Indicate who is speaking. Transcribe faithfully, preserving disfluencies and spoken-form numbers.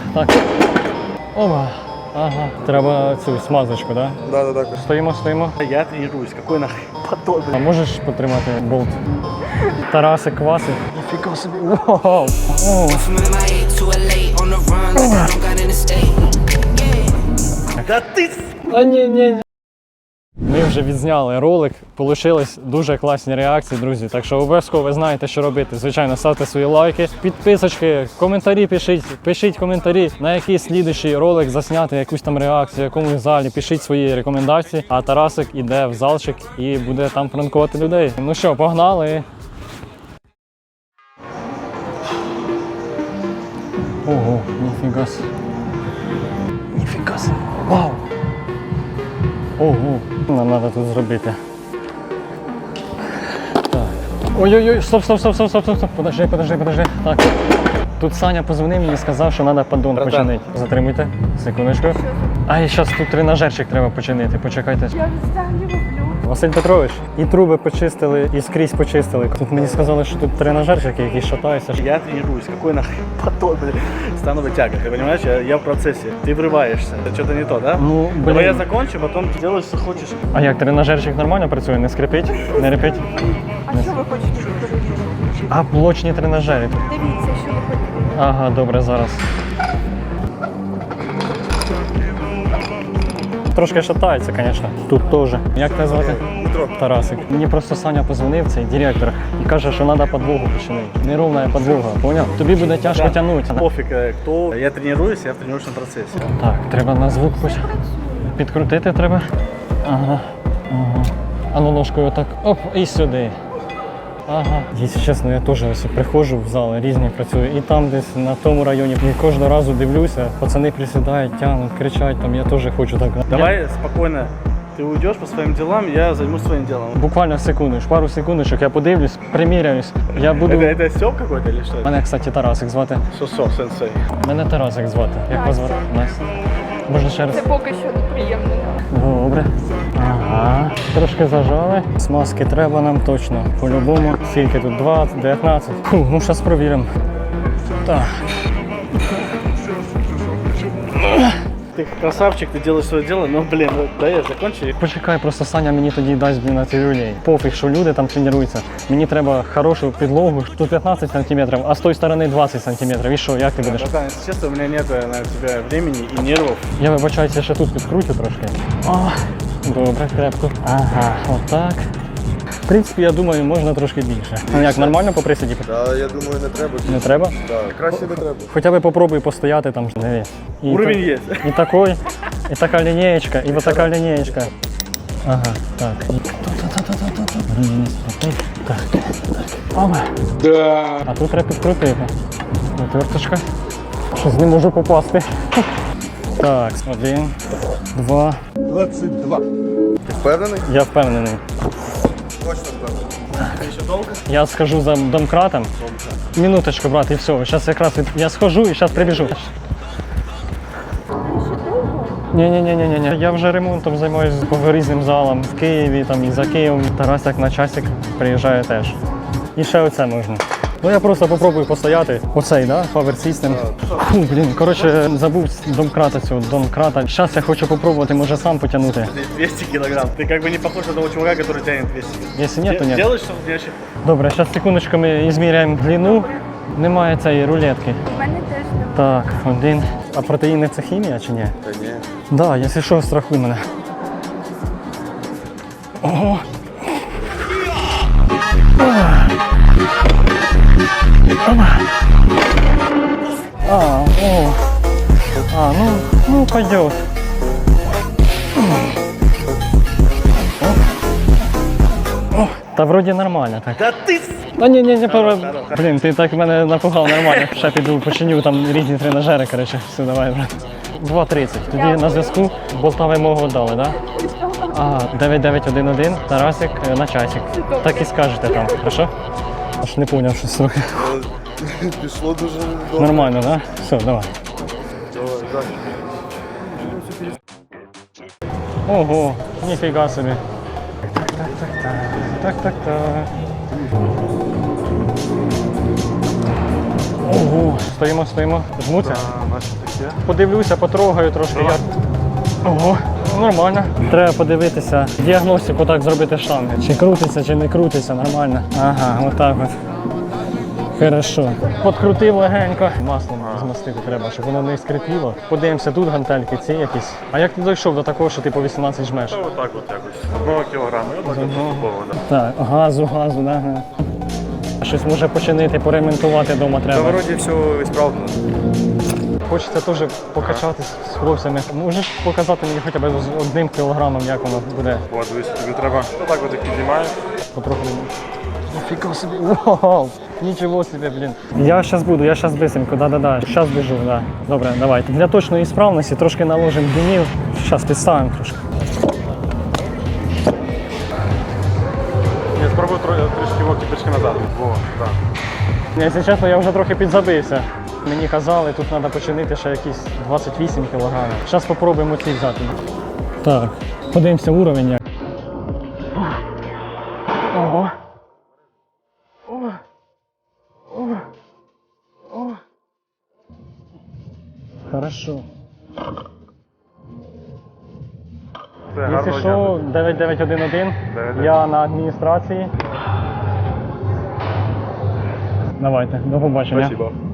Speaker 1: Так. Оба. Ага. Треба цю смазочку, да?
Speaker 2: Да, да, да.
Speaker 1: Стоїмо, стоїмо.
Speaker 3: Я тренируюсь, какой нахуй подобный.
Speaker 1: А можеш потримати болт? Тарасик, Квасик. Ніфіга собі. Вау.
Speaker 3: Да ты...
Speaker 1: А ні, ні, ні. Ми вже відзняли ролик, получились дуже класні реакції, друзі. Так що обов'язково ви знаєте, що робити. Звичайно, ставте свої лайки, підписочки, коментарі пишіть, пишіть коментарі, на який слідуючий ролик засняти якусь там реакцію, в якомусь залі, пишіть свої рекомендації. А Тарасик іде в залчик і буде там пранкувати людей. Ну що, погнали! Ого, ніфіга си. Ніфіга си. Вау! Ого, нам треба тут зробити. Так. Ой-ой-ой, стоп, стоп, стоп, стоп, стоп, стоп, стоп. Подожди, подожди, подожди. Так. Тут Саня позвонив мені і сказав, що треба поддон починити. Затримуйте, секундочку. А і зараз тут тренажерчик треба починити, почекайте.
Speaker 4: Я взагалі люблю.
Speaker 1: Василь Петрович, і труби почистили, і скрізь почистили. Тут мені сказали, що тут тренажерчики, які шатаються.
Speaker 3: Я тренируюсь, какой нахуй подобный. Становая тяга, ты понимаешь? Я, я в процессе. Ты врываешься. Это что-то не то, да?
Speaker 1: Ну, блин.
Speaker 3: Давай я закончу, потом ты делаешь, что хочешь.
Speaker 1: А як, тренажерчик нормально працює? Не скрипить? Не репить?
Speaker 4: А що ви хочете перевірити?
Speaker 1: А блочні тренажери.
Speaker 4: Дивіться, що ви хочете.
Speaker 1: Ага, добре, зараз. Трошки шатається, звісно. Тут теж. Як тебе звати?
Speaker 2: Дмитро.
Speaker 1: Тарасик. Мені просто Саня позвонив, цей директор, і каже, що треба підлогу починити. Неровна підлога, поняв? Тобі буде тяжко
Speaker 3: Да.
Speaker 1: тягнути.
Speaker 3: Пофиг, э, кто. Я тренируюсь, я в тренировочном процессе.
Speaker 1: Так, треба на звук поч- підкрутити треба. Ага. Ага. А ну ножкою отак. Оп, і сюди. Ага. Якщо чесно, я теж ось приходжу в зал, різні працюю. І там десь на тому районі. І кожного разу дивлюся, пацани присідають, тягнуть, кричать, там я теж хочу так.
Speaker 3: Давай спокойно. Ты уйдешь по своим делам, я займусь своим делом.
Speaker 1: Буквально секунду, пару секундочок, я подивлюсь, приміряюсь. Я буду.
Speaker 3: Это, это Стёп какой-то или что?
Speaker 1: Мене, кстати, Тарасик звати.
Speaker 3: Сосо, сенсей.
Speaker 1: Мене Тарасик звати. Як вас звати? Настя. Можна ще раз?
Speaker 4: Це поки що неприємно.
Speaker 1: Добре. Ага. Трошки зажали. Смазки треба нам точно. По-любому. Скільки тут? двадцять, дев'ятнадцять. Фу, ну зараз провіримо. Так.
Speaker 3: Ты красавчик, ты делаешь свое дело, но, блин, ну, да я закончу.
Speaker 1: Почекай, просто Саня мені тоді дасть блін, на ці люлей. Пофіг, що люди там тренуються. Мені треба хорошу підлогу. Тут п'ятнадцять сантиметрів, а з тої сторони двадцять сантиметрів. І що, як ти будеш?
Speaker 3: Братан, если честно, у меня нет на тебя времени и нервов.
Speaker 1: Я вибачаюся, ще тут підкручу трошки. О, добре, крепко. Ага, отак. В принципі, я думаю, можна трошки більше. Ну як, нормально по присіді?
Speaker 2: Да, я думаю, не треба.
Speaker 1: Не треба?
Speaker 2: Да, краще не треба.
Speaker 1: Хоча б попробуй постояти там. Диви. І
Speaker 3: Уровень
Speaker 1: та-
Speaker 3: есть.
Speaker 1: І такой, і така лінієчка, і ось така лінієчка. Ага, так. Так, так. Ага. Да. А тут треба підкрутити. Отверточка. Щось не можу попасти. Так, один, два.
Speaker 2: двадцять два. Ти впевнений?
Speaker 1: Я впевнений.
Speaker 2: Точно впевнений.
Speaker 3: Еще долго?
Speaker 1: Я схожу за домкратом. Минуточку, брат, і все. Зараз якраз від... я схожу і зараз прибіжу. Ні-ні-ні-ні-ні. Я вже ремонтом займаюся по різним залам в Києві, там і за Києвом. Тарасик на часик приїжджає теж. І ще оце можна. Ну я просто попробую постояти. Оцей, да? Power System. Фу, блін, коротше, забув домкрата цього, домкрата. Зараз я хочу попробувати, може сам потягнути.
Speaker 3: двести килограмм. Ты как бы не похож на того чувака, который тянет двести.
Speaker 1: Якщо ні, то ні.
Speaker 3: Делаешь, что мне вообще...
Speaker 1: Добре, зараз секундочку ми зміряємо длину. Немає цієї рулетки.
Speaker 4: У мене теж немає.
Speaker 1: Так, один. А протеїни це хімія чи ні?
Speaker 2: Та ні.
Speaker 1: Да, якщо що, страхуй мене. Ого. А, о. А, ну, ну пойдет. О, та вроді нормально так.
Speaker 3: Да ты...
Speaker 1: А ні, ні, ні, пора.
Speaker 3: Хорош, хорош.
Speaker 1: Блін, ти так мене напугав нормально. Ще піду починю там різні тренажери, коротше. Все, давай, брат. два тридцять. Тоді на зв'язку болта вимогу дали, да? Ага, дев'ять дев'ять один один, Тарасик е, на часик. Так і скажете там, хорошо? Аж не поняв щось трохи.
Speaker 2: Е, Пішло дуже добре.
Speaker 1: Нормально, да? Все, давай.
Speaker 2: Давай, так.
Speaker 1: Ого, ніфіга собі. Так, так, так, так, так, так, так. Ого, стоїмо, стоїмо. Жмуться?
Speaker 2: А, наші такі.
Speaker 1: Подивлюся, потрогаю трошки. Я... Ого, нормально. Треба подивитися, діагностику так зробити штанги. Чи крутиться, чи не крутиться, нормально. Ага, отак от. Хорошо. Подкрутив легенько. Маслом змастити треба, щоб воно не скрипіло. Подивимося, тут гантельки, ці якісь. А як ти дійшов до такого, що ти по вісімнадцять жмеш?
Speaker 5: Отак от якось. Одного кілограма. Отак от поступово, да.
Speaker 1: Так, газу, газу, да. ага. Щось може починити, поремонтувати вдома
Speaker 5: Та
Speaker 1: треба.
Speaker 5: вроді все ісправно.
Speaker 1: Хочеться теж покачатись з хлопцями. Можеш показати мені хоча б з одним кілограмом, як воно буде?
Speaker 5: От, дивись, тобі треба отак от як піднімаєш.
Speaker 1: Потроху. Ніфіга собі. Вау! Нічого собі, блін. Я зараз буду, я зараз бисенько, да-да-да. Зараз біжу, да. Добре, давайте. Для точної справності трошки наложимо димів. Зараз підставимо трошки.
Speaker 5: Я спробую тро- трішки вовки пішки назад. Во, так.
Speaker 1: Якщо чесно, я вже трохи підзабився. Мені казали, тут треба починити ще якісь двадцять вісім кілограмів. Зараз спробуємо ці взяти. Так, подивимося уровень. як. Ого. О. О. О. Хорошо.
Speaker 5: Це
Speaker 1: Якщо
Speaker 5: гарно
Speaker 1: що, дев'ять дев'ять один один, я на адміністрації. Давайте, до побачення.
Speaker 5: Спасибо.